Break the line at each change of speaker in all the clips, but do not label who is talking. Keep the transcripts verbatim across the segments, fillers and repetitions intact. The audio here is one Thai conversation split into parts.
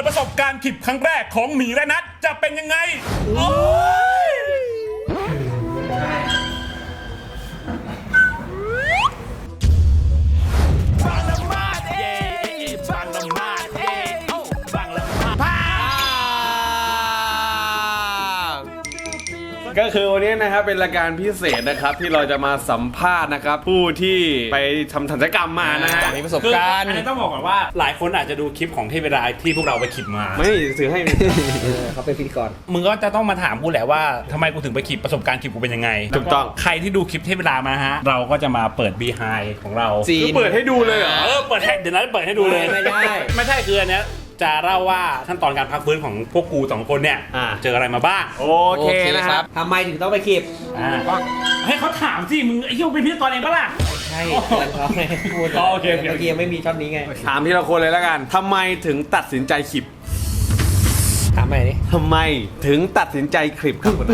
ดประสบการณ์ขีบครั้งแรกของหมีและนัทจะเป็นยังไงโอ้ย
ก็คือวันนี้นะครับเป็นรายการพิเศษนะครับที่เราจะมาสัมภาษณ์นะครับผู้ที่ไปทำศัลยกรรมมานะฮะ
มีประสบการณ์
อันนี้ต้องบอกก่อนว่าหลายคนอาจจะดูคลิปของเทพดาที่พวกเราไปขีบมา
ไม่ซื้อให้
เขาเป็นพิธีกร
มึงก็จะต้องมาถามกูแหละว่าทำไมกูถึงไปขีบประสบการณ์ขีบกูเป็นยังไง
ถูกต้อง
ใครที่ดูคลิปเทพดามาฮะเราก็จะมาเปิด behind ของเรา
คือเปิดให้ดูเลยเหรอ
เออเปิดให้เดี๋ยวนั้นเปิดให้ดูเลย
ไม่ได้
ไม่ใช่คืออันเนี้ยจะเล่าว่าขั้นตอนการพักฟื้นของพวกกูสองคนเนี่ยเจออะไรมาบ้าง
โอเคนะครับ
ทำไมถึงต้องไปขีบ
ให้เขาถามสิมึงไอ้เหี้ยเป็นพิธีกรเองปะล่ะ
ใช่เพื่อนเขาไม่พูด
โอเคโอเค
ยังไม่มีช่องนี้ไง
ถามทีละคนเลยแล้วกันทำไมถึงตัดสินใจขีบ
ถามใหม่ดิ
ทำไมถึงตัดสินใจขีบครับคุณ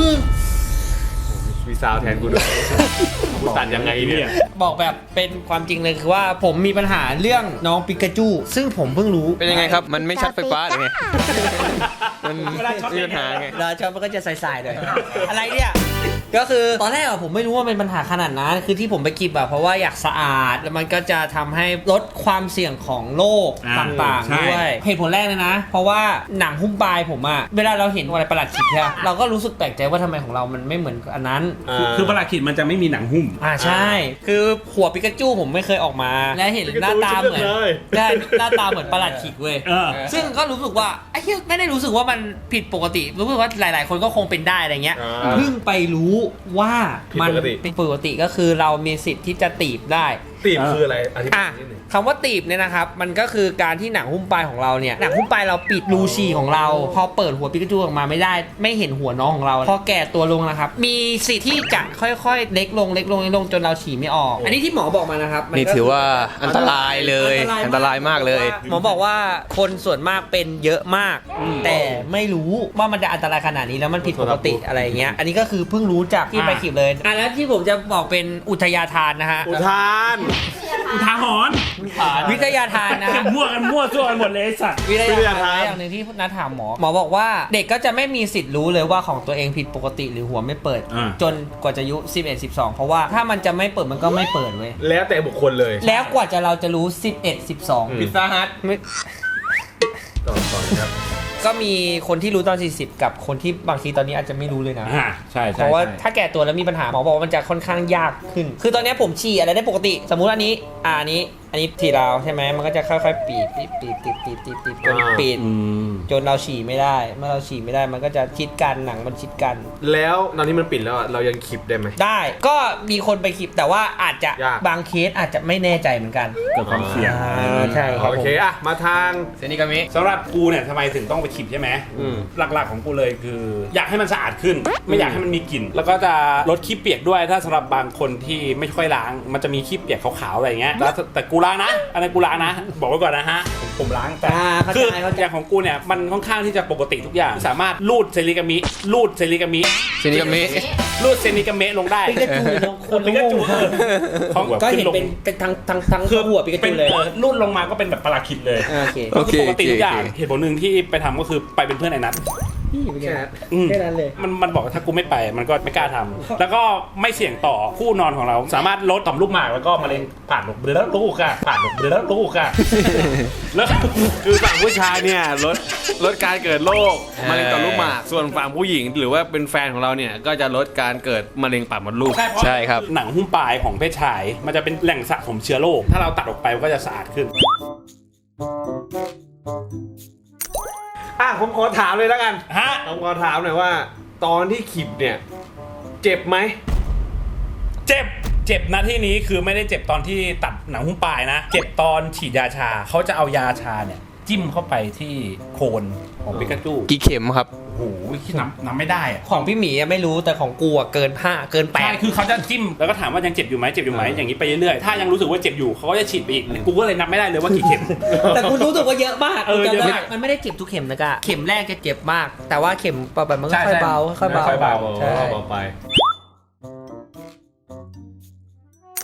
มีซาวแทนกูด้วยกูตัดยังไงเนี่ย
บอกแบบเป็นความจริงเลยคือว่าผมมีปัญหาเรื่องน้องปิกาจูซึ่งผมเพิ่งรู้
เป็นยังไงครับมันไม่ช็อตไฟฟ้าหรือไงมันมีปัญหาไง
เราช็อตมันก็จะใส่ๆเลยอะไรเนี่ยก็คือตอนแรกอะผมไม่รู้ว่าเป็นปัญหาขนาดนั้นคือที่ผมไปกิบอะเพราะว่าอยากสะอาดแล้วมันก็จะทำให้ลดความเสี่ยงของโรคต่างๆด้วยเหตุผลแรกเลยนะเพราะว่าหนังหุ้มปลายผมอะเวลาเราเห็นอะไรประหลาดขิดเนี่ยเราก็รู้สึกแปลกใจว่าทำไมของเรามันไม่เหมือนอันนั้น
คือประหลาดขิดมันจะไม่มีหนังหุ้ม
อ่าใช่คือหัวปิกาจูผมไม่เคยออกมาและเห็นหน้าตาเหมือนได้หน้าตาเหมือนประหลาดขิดเว้ยซึ่งก็รู้สึกว่าไอ้เหี้ยไม่ได้รู้สึกว่ามันผิดปกติรู้สึกว่าหลายๆคนก็คงเป็นได้อะไรเงี้ยเพิ่งไปรู้ว่ามันเป็นปกติก็คือเรามีสิทธิ์ที่จะตีบได้
ตีบคืออะไรอธิบายนิดนึง
คำว่าตีบเนี่ยนะครับมันก็คือการที่หนังหุ้มปลายของเราเนี่ยหนังหุ้มปลายเราปิดรูฉี่ของเราพอเปิดหัวปิกาจูออกมาไม่ได้ไม่เห็นหัวน้องของเราพอแก่ตัวลงนะครับมีสิทธิ์ที่จะค่อยๆเล็กลงเล็กลงเล็กลงจนเราฉี่ไม่ออกอันนี้ที่หมอบอกมานะครับ
นี่ถือว่าอันตรายเลยอันตรายมากเลย
หมอบอกว่าคนส่วนมากเป็นเยอะมากแต่ไม่รู้ว่ามันจะอันตรายขนาดนี้แล้วมันผิดปกติอะไรเงี้ยอันนี้ก็คือเพิ่งรู้จากที่ไปขีบเลยอ่ะแล้วที่ผมจะบอกเป็นอุทยาทานนะฮะ
อุทาน
อุทาหรณ์
วิทยาทานนะ
มั่วกันมั่วซั่วกันหมดเลยสัตว์
วิทยาทานอย่างหนึ่งที่นัดถามหมอหมอบอกว่าเด็กก็จะไม่มีสิทธิ์รู้เลยว่าของตัวเองผิดปกติหรือหัวไม่เปิดจนกว่าจะอายุสิบเอ็ด สิบสองเพราะว่าถ้ามันจะไม่เปิดมันก็ไม่เปิดเว้ย
แล้วแต่บุคคลเลย
แล้วกว่าจะเราจะรู้สิบเอ็ด สิบสอง
พิซซ่าฮัทต่อต่อครับ
ก็มีคนที่รู้ตอนสี่สิบกับคนที่บางทีตอนนี้อาจจะไม่รู้เลยนะ
ใช่
เพราะว่าถ้าแก่ตัวแล้วมีปัญหาหมอบอกว่ามันจะค่อนข้างยากขึ้นคือตอนนี้ผมฉี่อะไรได้ปกติสมมุติอันนี้อ่านี้อันนี้ทีเราใช่ไหมมันก็จะค่อยๆปีบปีบปีบปีบปีบปีบปีบจนปิดจนเราฉี่ไม่ได้เมื่อเราฉี่ไม่ได้มันก็จะชิดกันหนังมันชิดกัน
แล้วตอนนี้มันปิดแล้วเรายังขีบได้ไหม
ได้ก็มีคนไปขีบแต่ว่าอาจจะบางเคสอาจจะไม่แน่ใจเหมือนกัน
เกิดความเสี่ยง
ใช่ครับ
โอเคอะมาทาง
เซนิกามิ
สำหรับกูเนี่ยทำไมถึงต้องไปขีบใช่ไหมหลักๆของกูเลยคืออยากให้มันสะอาดขึ้นไม่อยากให้มันมีกลิ่นแล้วก็จะลดขี้เปียกด้วยถ้าสำหรับบางคนที่ไม่ค่อยล้างมันจะมีขี้เปียกขาวๆอะไรอย่างเงี้ยแล้วแต่กูล้างนะอันนั้นกูล้างนะบอกไว้ก่อนนะฮะผมล้างแต่คืออย่างของกูเนี่ยมันค่อนข้างที่จะปกติทุกอย่างสามารถลูดเซนิกามิลูดเซนิกามิ
เซนิกามิ
ลูดเซนิกามิลงได้
ปิกาจูคนปิกาจูก็เห็นเป็นเป็นทั้งทั้งทั้งหัวปิกาจูเลย
ลูดลงมาก็เป็นแบบปลาคิดเลย
โอเค
ปกติทุกอย่างเหตุผลหนึ่งที่ไปทำก็คือไปเป็นเพื่อนไอ้นัท
แค่นั้นเลย
มันมันบอกว่าถ้ากูไม่ไปมันก็ไม่กล้าทำแล้วก็ไม่เสี่ยงต่อคู่นอนของเราสามารถลดต่อมลูกหมากแล้วก็มะเร็งผ่านหลบเดือดลูกค่ะผ่านหลบเดือดลูกค่ะ
แล้วคือฝั่งผู้ชายเนี่ยลดลดการเกิดโรคมะเร็งต่อมลูกหมากส่วนฝั่งผู้หญิงหรือว่าเป็นแฟนของเราเนี่ยก็จะลดการเกิดมะเร็งปากมดลูก
ใช่ครับ
หนังหุ้มปลายของเพศชายมันจะเป็นแหล่งสะสมเชื้อโรคถ้าเราตัดออกไปมันก็จะสะอาดขึ้น
อ่ะผมขอถามเลยแล้วกัน
ฮะ
ผมขอถามหน่อยว่าตอนที่ขีบเนี่ยเจ็บไหม
เจ็บเจ็บนะที่นี้คือไม่ได้เจ็บตอนที่ตัดหนังหุ้มปลายนะเจ็บตอนฉีดยาชาเขาจะเอายาชาเนี่ยจิ้มเข้าไปที่โคนของปิกาจู
กี่เข็มครับ
โอ้โหที่นับนับไม่ได้อะ
ของพี่หมีไม่รู้แต่ของกูเกินห้าเกินแปด
ใช่คือเขาจะจิ้มแล้วก็ถามว่ายังเจ็บอยู่ไหมเจ็บอยู่ไหมอย่างนี้ไปเรื่อยๆถ้ายังรู้สึกว่าเจ็บอยู่เขาก็จะฉีดไปอีกกูก็เลยนับไม่ได้เลยว่ากี่เข็ม
แต่กูรู้สึกว่าเยอะมาก
เออเยอะมาก
มันไม่ได้เจ็บทุกเข็มนะกะเข็มแรกจะเจ็บมากแต่ว่าเข็มต่อไปมันก็ค่อยเบาค่อยเบา
ค่อยเบาใช่เบาไป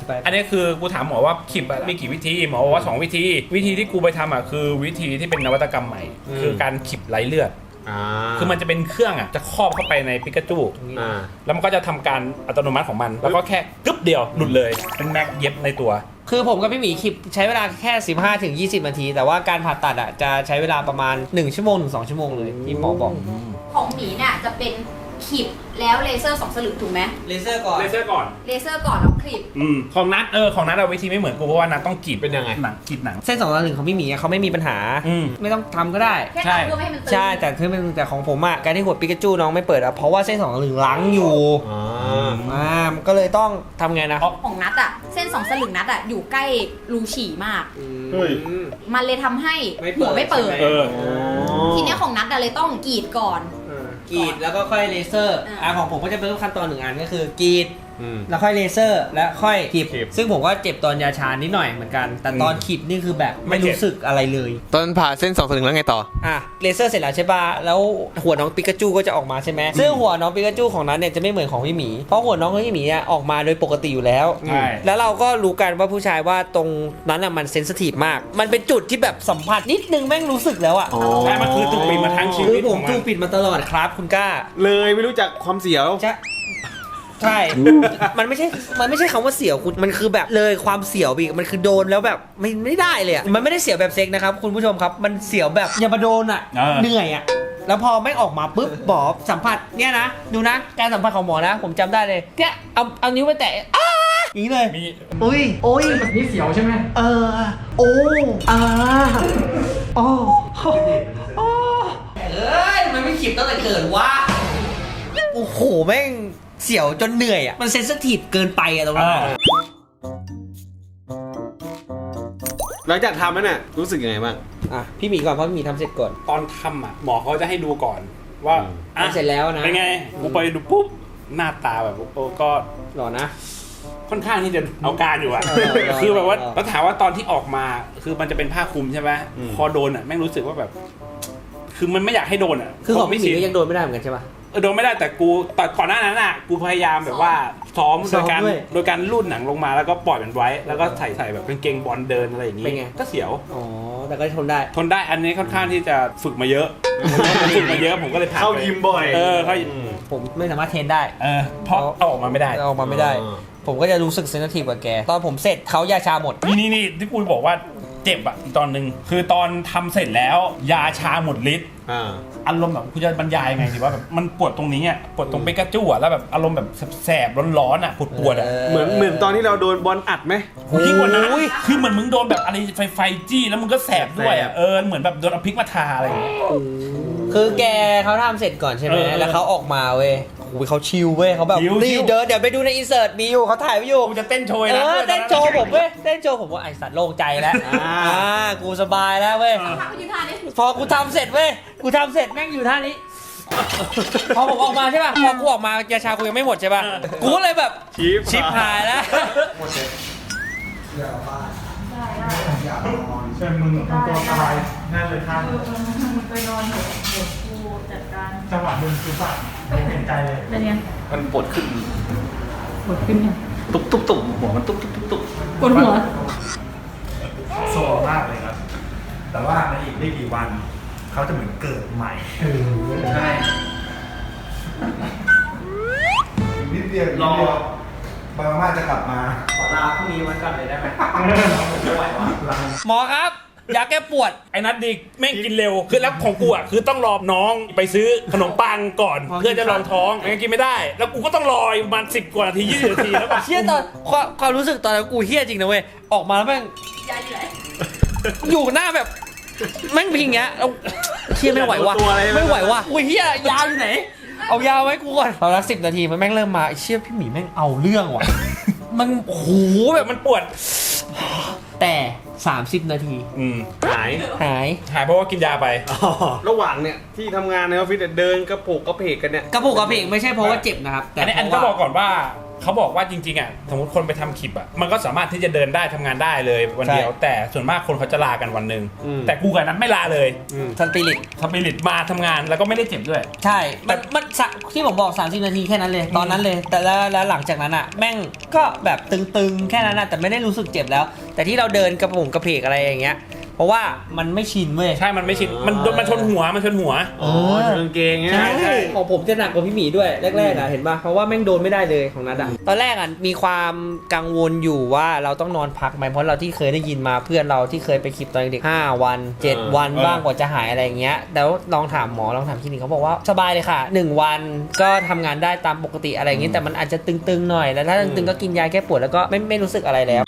ไป
อันนี้คือกูถามหมอว่าขีบอะมีกี่วิธีหมอบอกว่าสองวิธี วิธีที่กูไปทำอ่ะคือวิธีที่เป็นนวัตกรรมใหม่ คือการขีบไร้เลือด
อ่า
คือมันจะเป็นเครื่องอ่ะจะครอบเข้าไปในปิกาจู
อ่า
แล้วมันก็จะทำการอัตโนมัติของมัน แล้วก็แค่กึ๊บเดียวหลุดเลยเป็นแม็กเย็บในตัว
คือผมกับพี่หมีคลิปใช้เวลาแค่ สิบห้าถึงยี่สิบ นาที แต่ว่าการผ่าตัดอ่ะจะใช้เวลาประมาณ หนึ่ง ชั่วโมงถึง สอง ชั่วโมงเลยที่หมอบอก
ของหมีเนี่ยจะเป็นขีบแล้วเลเซอร์สองสลึงถูกไหม
เลเซอร์ก่อน
เลเซอร์ก่อน
เลเซอร์ก่อนแล้วคลิป
อืมของนัดเออของนัดเอาวิธีไม่เหมือนกูเพราะว่านัดต้องกรีด
เป็นยังไง
หนังกรีดหนัง
เส้นสองตาหนึ่งของพี่หมีอะเขาไม่มีปัญหา
อืม
ไม่ต้องทำก็ได้
แค่
ใช่
ทำเพื่อไม่ให้มันตึง
ใช่แต่คือมันแต่ของผมอ่ะการที่หัวปิกาจูน้องไม่เปิดอ่ะเพราะว่าเส้นสองตาหนึ่งล้างอยู่
อ๋อ
อ่ามันก็เลยต้องทำไงนะ
ของนัดอะเส้นสองสลึงนัดอะอยู่ใกล้รูฉี่มาก
เฮ้ย
มันเลยทำให้
ไม่เปิด
หัวไม่เปิด
เออ
ทีเนี้ยของนัดอะเลยต้องกรีดก่อน
กรีดแล้วก็ค่อยเลเซอร์
อ่า
อ่าของผมก็จะเป็นขั้นตอนหนึ่งอันก็คือกรีด
อืม
แล้วค่อยเลเซอร์แล้วค่อยขีบ
ขีบ
ซึ่งผมก็เจ็บตอนยาชานิดหน่อยเหมือนกัน แต่ตอนขีบนี่คือแบบ
ไม่
ไม่
เจ็บ
รู้สึกอะไรเลย
ตอนผ่าเส้นสองสลึงแล้วไงต่อ
อ่ะเลเซอร์เสร็จแล้วใช่ป่ะแล้วหัวน้องปิกาจูก็จะออกมาใช่ไหมซึ่งหัวน้องปิกาจูของนั้นเนี่ยจะไม่เหมือนของพี่หมีเพราะหัวน้องของพี่หมีอ่ะออกมาโดยปกติอยู่แล้ว
ใช่
แล้วเราก็รู้กันว่าผู้ชายว่าตรงนั้นอ่ะมันเซนซิทีฟมาก มันเป็นจุดที่แบบสัมผัสนิดนึงแม่งรู้สึกแล้วอ่ะ
ใช่มันคือถูกปิดมาทั้งชี
คื
วิ
อ
ต
ผ
ข
ม
องมั
ถู
น
กปิดมาตลอดครับคุณกล้า
เลยไม่รู้จักความเสียว
ใช่ใช่ มันไม่ใช่ มันไม่ใช่คำว่าเสียวคุณ มันคือแบบเลยความเสียวอีก มันคือโดนแล้วแบบไม่ไม่ได้เลยอ่ะ มันไม่ได้เสียวแบบเซ็กนะครับคุณผู้ชมครับ มันเสียวแบบอย่ามาโดนอ่ะ
เออ
เหนื่อยอ่ะ แล้วพอไม่ออกมาปุ๊บหมอสัมผัสเนี่ยนะ ดูนะ การสัมผัสของหมอนะ ผมจำได้เลยเนี่ยเอาเอานิ้วไปแตะอ้าอย่างนี้เลย
มี
อุ้ยโอ้ยแบบนี้เสียวใช่ไหมเออ โอ้อ่าโอ้โอ้เอ้ยมันไม่ขีบตั้งแต่เกิดวะโอ้โหแม่งเสียวจนเหนื่อยอ่ะ มันเซนซิทีฟเกินไปอ่ะตรงนั้นอะ
หลังจากทำแล้วเนี่ยรู้สึกยังไงบ้าง
อ่ะพี่หมีก่อนเพราะพี่หมีทำเสร็จก่อน
ตอนทำอ่ะหมอเขาจะให้ดูก่อนว่า
อืม
อ่ะ
ทำเสร็จแล้วนะ
เป็นไงกูไปดูปุ๊บหน้าตาแบบโอ้ก็
หรอนะ
ค่อนข้างที่จะเอาการอยู่อะ
เออเออ
คือแบบว่า
เออ
แล้วถามว่าตอนที่ออกมาคือมันจะเป็นผ้าคลุมใช่ไหม
อืม
พอโดนอ่ะแม่งรู้สึกว่าแบบ คือมันไม่อยากให้โดนอ่ะ
คือของพี่หมี
ชิน
ก็ยังโดนไม่ได้เหมือนกันใช่ปะ
เออโดนไม่ได้แต่กูแต่ก่อนหน้านั้นอ่ะกูพยายามแบบว่าซ้อม
ซ้
โด
อม
ยการ
ด้วย
โดยการลูดหนังลงมาแล้วก็ปล่อยมันไว้ แล้วก็ใส่ใส่แบบกางเกงบอลเดินอะไรอย่างงี้
เป็นไง
ก็เสียว
อ๋อ แต่ก็ทนได้
ทนได้อันนี้ค่อนข้างที่จะฝึกมาเยอะ ฝึกมาเยอะผมก็เลยผ่าน
เข้า
ไป
ยิมบ่อย
เออเข้า
อืม
ผมไม่สามารถเทรนได้
เออเพราะเอาออกมาไม่ได้
เอาออกมาไม่ได้
อ๋อ
ผมก็จะรู้สึกเซนซิทีฟกว่าแก ตอนผมเสร็จเขายาชาหมด
นี่นี่นี่ที่กูบอกว่าเจ็บอ่ะอีกตอนหนึ่งคือตอนทำเสร็จแล้ว ยาชาหมดฤทธิ์
อ่า
อารมณ์แบบกูจะบรรยายยังไงดีว่าแบบมันปวดตรงนี้อ่ะปวดตรงเปกาจูอ่ะแล้วแบบอารมณ์แบบแสบๆร้อนๆอ่ะปวดปวดๆอ่ะ
เหมือนเหมือนตอนที่เราโดนบอลอัดไหม
โอ้ยยิ่งกว่านั้น
โอ้ย
คือเหมือนมึงโดนแบบอะไรไฟไฟจี้แล้วมึงก็แสบด้วยอ่ะ
แสบ
เออเหมือนแบบโดนเอาพริกมาทาอะไรอย่างเงี้ย
คือแกเขาทำเสร็จก่อนใช่ไหม
เออ
แล้วเขาออกมาเว้ยโอ้ยเขาชิลเว้ยเขาแบบ
ชิล
นี่
ชิล
เดินเดี๋ยวไปดูในอินเสิร์ตมีอยู่เขาถ่ายไว้อยู่
กูจะเต้นโชย
เอ
นะ
อเต้นโชว์ผมเว้ยเต้นโชว์ผมว่าไอสัตว์โล่งใจแล้ว
อ่า
อ่ากูสบายแล้วเว้ย
ทำไปยืนท่านี้
พอกูทำเสร็จเว้ยกูทำเสร็จแม่งอยู่ท่านี้ พอผมออกมาใช่ป่ะพอกูออกมายาชากูยังไม่หมดใช่ป่ะกูก็เลยแบบ
ชิป
ชิปหายแล้ว
เชิญมึงทำตัวสบายน่าเลยท่าน
ไปนอนเดี๋ยวเดี๋ยวกูจัดการ
จังหวะดึงคือแบบเห็นใจเลย
เป็นไง
มันปวดขึ้น
ปวดขึ้นยัง
ตุ๊บตุ๊บตุ๊บหัวมันตุ๊บตุ๊บตุ๊บตุ๊บ
ปวดหัว
โซมากเลยครับ แต่ว่าในอีกไม่กี่วัน เขาจะเหมือนเกิดใหม่ใช่นิดเดียวรอบางมาจะกลับมา
ขอลาพรุ่งนี้วันก่อนเลยได้ไหม
ไม่ไหววะลา
หมอครับยาแก้ปวด
ไอ้นัดดิแม่งกินเร็วคือแล้วของกูอ่ะคือต้องรอน้องไปซื้อขนมปังก่อน
อ๋อ
เพื่อจะรองท้องไม่งั้นกินไม่ได้ แล้วกูก็ต้องรออีกประมาณสิบกว่านาทียี่สิบนาทีแล้วแบบ
เชี่ยตอนความความรู้สึกตอนนั้นกูเฮี้ยจริงนะเว้ยออกมาแล้วแม่ง
ยายอยู่ไหน
อยู่หน้าแบบแม่งพิงเงี้ยแล้วเชี่ยไม่ไหวว่ะ
ตัวอะไรไม่
ไม่ไหวว่ะอุ้ยเฮี้ยยาวอยู่ไหน เอายาวไว้กูก่อนตอนละสิบนาทีมันแม่งเริ่มมาไอ้เชี่ยพี่หมีแม่งเอาเรื่องว่ะ มันโอ้โห
แบ
แบบ บ
มันปวด
แต่สามสิบนาที
อืม
หาย
หาย
หายเพราะว่ากินยาไป
ระหว่างเนี่ยที่ทำงานในออฟฟิศเนี่ยเดินกระโปกกระเพกกันเนี่ย
กระปุกกระเพกไม่ใช่เพราะว่าเจ็บนะครับ แต่
อันนี้อัน
เพ
ก็
ราะ
บอก
ว่า
ก่อนว่าเขาบอกว่าจริงๆอ่ะสมมติคนไปทำคลิปอ่ะมันก็สามารถที่จะเดินได้ทำงานได้เลยวันเดียว แต่ส่วนมากคนเขาจะลากันวันหนึ่งแต่กูกับนั้นไม่ลาเลย
สปิริต
สปิริตมาทำงานแล้วก็ไม่ได้เจ็บด้วย
ใช่ มันมันสะที่ผมบอกสามสิบนาทีแค่นั้นเลย ตอนนั้นเลย แต่แล้วแล้วหลังจากนั้นอ่ะ แม่งก็แบบตึงๆ แค่นั้นนะแต่ไม่ได้รู้สึกเจ็บแล้ว แต่ที่เราเดินกระผมกระเพกอะไรอย่างเงี้ย เพราะว่ามันไม่ชินเว้ย
ใช่มันไม่ชินมันมันชนหัวมันชนหัว
เอ
อ๋อ
อ
กางเกงเงี้ย
ใช่ของผมจะหนักกว่าพี่หมีด้วยแรกๆอ่ะเห็นป่ะเพราะว่าแม่งโดนไม่ได้เลยของนัดอ่ะตอนแรกอ่ะมีความกังวลอยู่ว่าเราต้องนอนพักไหมเพราะเราที่เคยได้ยินมาเพื่อนเราที่เคยไปคลิปตอนเด็กห้าวันเจ็ดวันบ้างกว่าจะหายอะไรอย่างเงี้ยแล้วลองถามหมอลองถามคลินิกเขาบอกว่าสบายเลยค่ะหนึ่งวันก็ทำงานได้ตามปกติอะไรอย่างงี้แต่มันอาจจะตึงๆหน่อยแล้วถ้าตึงๆก็กินยาแก้ปวดแล้วก็ไม่ไม่รู้สึกอะไรแล้ว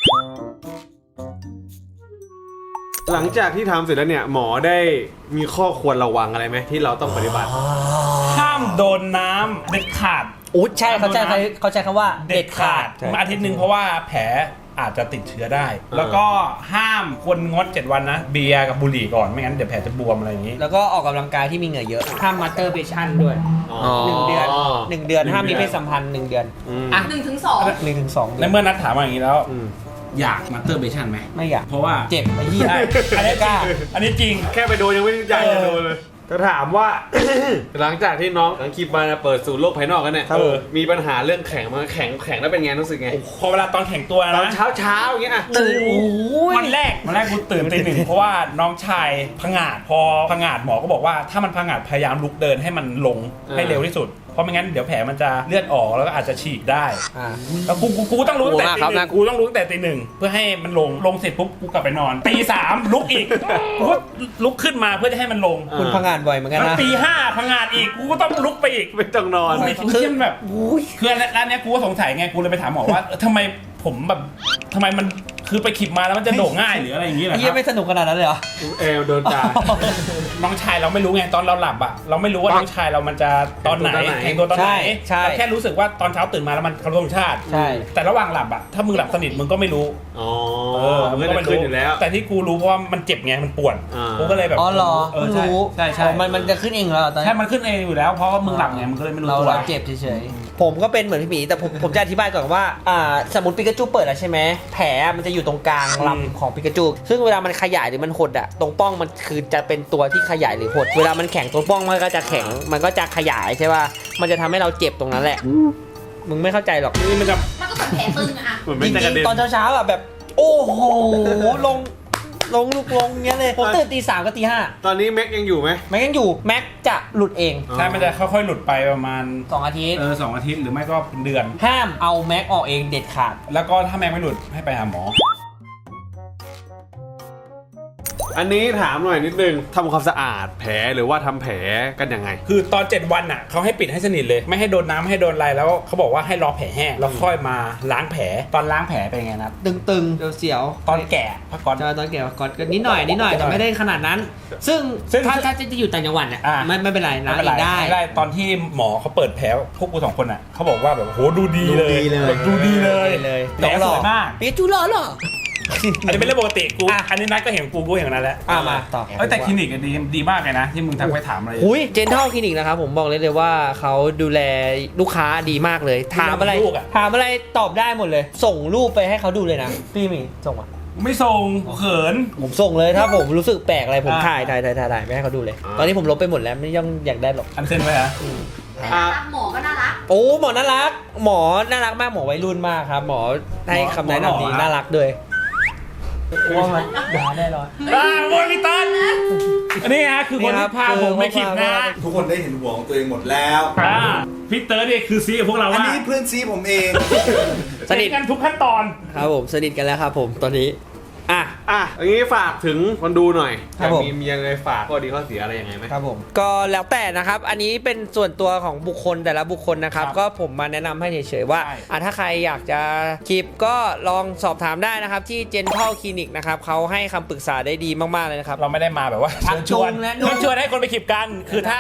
หลังจากที่ทำเสร็จแล้วเนี่ยหมอได้มีข้อควรระวังอะไรไหมที่เราต้องปฏิบัติ
ห้ามโดนน้ำเด็ดขาด
อุ๊ยใช่เขาใช้เขาใช้คำว่า
เด็ดขาดอาทิตย์หนึ่งเพราะว่าแผลอาจจะติดเชื้อได้ แล้วก็ห้ามควรงดเจ็ดวันนะเบียร์กับบุหรี่ก่อนไม่งั้นเดี๋ยวแผลจะบวมอะไรอย่างนี้
แล้วก็ออกกำลังกายที่มีเหงื่อเยอะห้ามมาสเตอร์เบชั่นด้วยหนึ่งเดือนหนึ่งเดือนห้ามมีเพศสัมพันธ์หนึ่งเดือน
อ่ะ
หนึ่งถึงสอง
หนึ่งถึงสอง
ในเมื่อนัดถามมาอย่างนี้แล้วอยากมาสเตอร์เบชั่นไหม
ไม่อยาก
เพราะว่า
เจ็บไอ้เหี้ย
ใช่อันนี้
กล้า
อันนี้จริง
แค่ไปโดนยังไม่อยากจะโดนเลยจะถามว่า หลังจากที่น้องหลังคลิปมาเปิดสู่โลกภายนอกกันเนี่ย
ครับผม
มีปัญหาเรื่องแข็งมาแข็งแข็งแล้วเป็นไงรู้สึกไง
พอเวลาตอนแข่งตัว
ตอน
นะ
เช้าเช้าๆอย่างเงี้ยอะ
ตื่นโอ้ย
วันแรกวันแรกกูตื่นตีหนึ่งเพราะว่าน้องชายผงาดพอผงาดหมอก็บอกว่าถ้ามันผงาดพยายามลุกเดินให้มันลงให้เร็วที่สุดเพราะไม่งั้นเดี๋ยวแผลมันจะเลือดออกแล้วก็อาจจะฉีกได้
อ่า
แล้วกูกูกูต้องรู้ตั้งแต่ตี
โอ้โห
ห
ครั
นึ่
บ
งกูต้องรู้ตั้งแต่ตีหนึ่งเพื่อให้มันลงลงเสร็จปุ๊บกูกลับไปนอนตีสามลุกอีกกูก็ลุกขึ้นมาเพื่อจะให้มันลง
คุณพังงานบ่อยเหมือนกัน
แล้ว
นะ
ตีห้าผงาดอีกกูก็ต้องลุกไปอีก
ไม่ต้องนอน
ไม่คือมันแบบคือร้านเนี้ยกูก็สงสัยไงกูเลยไปถามหมอว่าเออทำไมผมแบบทำไมมันคือไปขีบมาแล้วมันจะโด่งง่ายหรืออะไรอย่างงี้เหรอ
ไอ้
ค
เหี้
รั
ย
บ
ไม่สนุกขนาดนั้นเลยเหรอ
เอวโดนจ่า
น้องชายเราไม่รู้ไงตอนเราหลับอ่ะเราไม่รู้ว่าน้องชายเรามันจะตอนไหน
ตอนไหน
แข่งตัวตอนไหน
ใช่ใช่
เราแค่รู้สึกว่าตอนเช้าตื่นมาแล้วมันเคารพธงชาติ
ใช่
แต่ระหว่างหลับอ่ะถ้ามึงหลับสนิทมึงก็ไม่รู้
อ๋อ
เออ
มันก็จะขึ้นอยู่แล้ว
แต่ที่กูรู้เพราะว่ามันเจ็บไงมันปวด
อ่า
กูก็เลยแบบ
อ๋อเหรอ
เออ
เพิ่ง
ใช่
รู้
ใช่ใช่
อ๋อมันมันจะขึ้นเองเหรอตอน
ใช่
นี้
มันขึ้นเองอยู่แล้วเพราะว่ามึงหลับไงมึงก็เลยไม่รู้
เรา
ตัว
เราเจ็บเฉยๆผมก็เป็นเหมือนพี่หมีแต่ผมผมจะอธิบายก่อนว่าอ่าสมมติปิกาจูเปิดแล้วใช่ไหมแผลมันจะอยู่ตรงกลางลำของปิกาจูซึ่งเวลามันขยายหรือมันหดอะตรงป้องมันคือจะเป็นตัวที่ขยายหรือหดเวลามันแข็งตรงป้องมันก็จะแข็งมันก็จะขยายใช่ป่ะมันจะทำให้เราเจ็บตรงนั้นแหละมึงไม่เข้าใจหรอก
นี่มันจะ
มันก็เหมือนแผลตึงอะ
เหมือน
จ
ไม่จะก
ริ
ระ
ง
เด็น
ๆตอนเช้าๆอะแบบ โอ้โหลงลงลุกลงเงี้ยเลยผมตื่นตีสามกับตีห้า
ตอนนี้แม็กยังอยู่ไหม
แม็กยังอยู่แม็กจะหลุดเอง
ใช่มันจะค่อยๆหลุดไปประมาณ
สองอาทิตย์
เออสองอาทิตย์หรือไม่ก็เป็นเดือน
ห้ามเอาแม็กออกเองเด็ดขาด
แล้วก็ถ้าแม่งไม่หลุดให้ไปหาหมอ
อันนี้ถามหน่อยนิดนึงทำความสะอาดแผลหรือว่าทำแผลกันยังไง
คือตอนเจ็ดวันอ่ะเขาให้ปิดให้สนิทเลย ไม่ให้โดนน้ำไม่ให้โดนอะไรแล้วเขาบอกว่าให้รอแผลแห้งแล้วค่อยมาล้างแผลตอนล้างแผลเป็นไงนะ
ตึงๆเสียวๆ
ตอนแก่พักก่อน
จะตอนแก่ก่อนก็นิดหน่อยนิดหน่อยแต่ไม่ได้ขนาดนั้น ซึ่ง
ซึ่ง
ถ้าถ้าจะอยู่ต่างจังหวัดเนี่ย
อ่า
ไม่ไม่เป็นไรล้าง
ไม่
เอ
เป็น
ง
ไร
ได้
ได้ตอนที่หมอเขาเปิดแผลพวกกูสองคนอ่ะเขาบอกว่าแบบโหดูดีเลยแบบดูดีเลย
เลย
แผลสวยมาก
ปีจูหล่อหรอ
อันนี้เป็นเรื่องปกติกู
อ่ะ
อันนี้นัดก็เห็นกูกูเห็นนั้นแล้ว
อ่ะมาต่อ
เอ้ยแต่คลินิกอะดีดีมากเลยนะ ที่มึงทักไปถามอะไร
หุยเจนทัลคลินิกนะครับผมบอกเลยเลยว่าเขาดูแลลูกค้าดีมากเลย ถามอะไร
ลูกอะ
ถามอะไรตอบได้หมดเลย ส่งรูปไปให้เขาดูเลยนะพี่หมีส่งมา
ไม่ส่งเขิน
ผมส่งเลยถ้าผมรู้สึกแปลกอะไรผม
อ่า
ถ่ายถ่ายถ่ายถ่ายถ่ายไปให้เขาดูเลย ตอนนี้ผมลบไปหมดแล้วไม่ย่องอยากได้หรอก
อันเซ็นไว้ฮะ
แต่น่ารักหมอก็น่ารัก
โอ้หมอน่ารัก หมอน่ารักมากหมอวัยรุ่นมากครับ หมอให้คำแนะนำดีน่ารักด้วยว่ามันด่าแน่นอน
อ่าโมนิตันอันนี้ฮะคือคนที่พาผมไปคลิปนะ
ทุกคนได้เห็นหัวของตัวเองหมดแล้ว
อ่าพี่เติร์ดเนี่ยคือซีกับพวกเรา
อัน
ว่า
นี้เพื่อนซีผมเอง
สนิท
กันทุกขั้นตอน
ครับผมสนิทกันแล้วครับผมตอนนี้อ่ะ
อ่ะอย่างนี้ฝากถึงคนดูหน่อย
ครับผม
มีมียังไงฝากข้อดีข้อเสียอะไรยังไงไหม
ครับผมก็แล้วแต่นะครับ อันนี้เป็นส่วนตัวของบุคคลแต่ละบุคคลนะครับ
ครับ
ก็ผมมาแนะนำให้เฉยๆว่า
ใช่
อ่ะถ้าใครอยากจะคลิปก็ลองสอบถามได้นะครับที่ Gentle Clinic นะครับเขาให้คำปรึกษาได้ดีมากๆเลยนะครับ
เราไม่ได้มาแบบว่า
ชัก
เชิญชวน
จูงและ
เชิญชวนให้คนไปคลิปกัน คือถ้า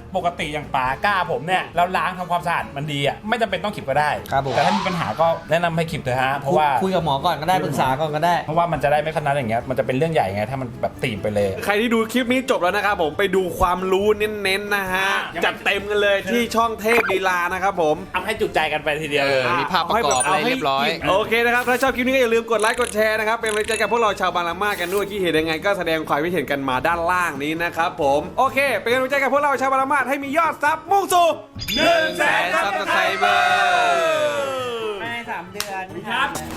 ปกติอย่างป๋ากล้าผมเนี่ยเราล้างทำความสะอาดมันดีอ่ะไม่จำเป็นต้องขีบก็ได้
ครับผม
แต่ถ้ามีปัญหาก็แนะนำให้ขีบเถอะฮะเพราะว่า
คุยกับหมอก่อนก็ได้ปรึกษาก่อนก็ได้
เพราะว่ามันจะได้ไม่ขนาดอย่างเงี้ยมันจะเป็นเรื่องใหญ่ไงถ้ามันแบบตีบไปเลย
ใครที่ดูคลิปนี้จบแล้วนะครับผมไปดูความรู้เน้นๆนะฮะ
ยังไม่
จัดเต็มกันเลยที่ช่องเทพลีลานะครับผม
เอาให้จุใจกันไปทีเดียว
เออมีภาพประกอบอะไรเรียบร้อย
โอเคนะครับถ้าชอบคลิปนี้ก็อย่าลืมกดไลค์กดแชร์นะครับเป็นกำลังใจกับพวกเราชาวบางละมาดกันด้วยคิดเห็นยังไงก็แสดงความคิดเห็นกันมาด้านล่างนี้นะครับผมโอเคเป็นกำลังใจกับพวกเราชาวบางละมาดให้มียอดซับมุ่งสู่หนึ่งแสนซับสไครเบอร์
ภายในสามเดือน
ครับ